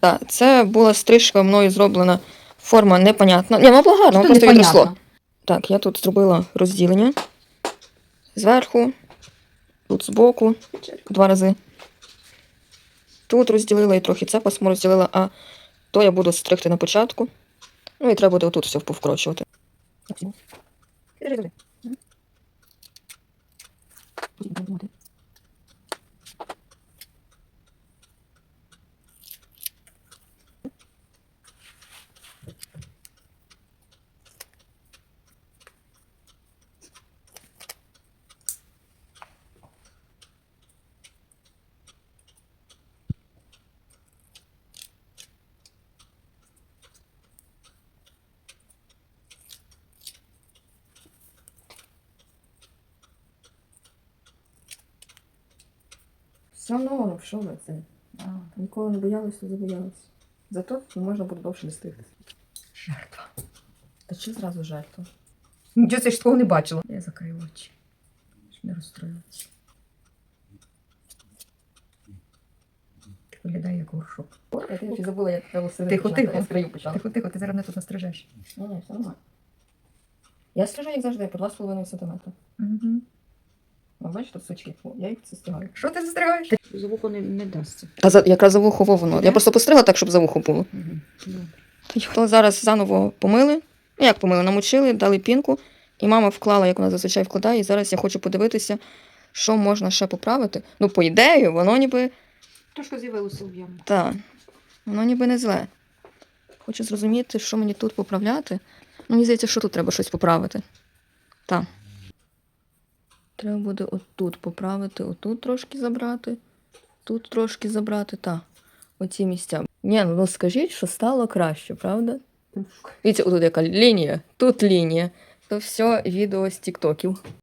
Так, це була стрижка мною зроблена. Форма непонятна. Ні, вона була гарна, вона просто відросло. Так, я тут зробила розділення. Зверху, тут збоку, 2 рази. Тут розділила і трохи це пасмо розділила, а то я буду стригти на початку. Ну і треба буде отут все повкрочувати. Все одно, що ви це? Ніколи не боялась, то забоялась. Зато можна буде довше не стригти. Жертва. Та чи зразу жертва? Нічого я ж такого не бачила. Я закрию очі, щоб не розстроюватися. Виглядає як горшок. Я ще забула, як треба сидіти. Тихо, тихо. Я з краю почала. Тихо, тихо, ти зараз мене тут настрижеш. Ні, все нормально. Я стрижу, як завжди, по 2,5 см. Угу. Бачиш, тут сучки. О, я їх застигаю. Що ти застригаєш? За вухо не дасться. Та якраз за вухо воно. Я просто постригла так, щоб за вухо було. Угу. То зараз заново помили. Ну, як помили? Намочили, дали пінку. І мама вклала, як вона зазвичай вкладає. І зараз я хочу подивитися, що можна ще поправити. Ну, по ідеї, воно ніби... Трошки з'явилося об'ємно. Так, воно ніби не зле. Хочу зрозуміти, що мені тут поправляти. Ну, мені здається, що тут треба щось поправити. Так. Треба буде отут поправити, отут трошки забрати, тут трошки забрати, так. Оці місця. Ні, ну скажіть, що стало краще, правда? Дивіться, отут яка лінія, тут лінія. То все відео з тіктоків.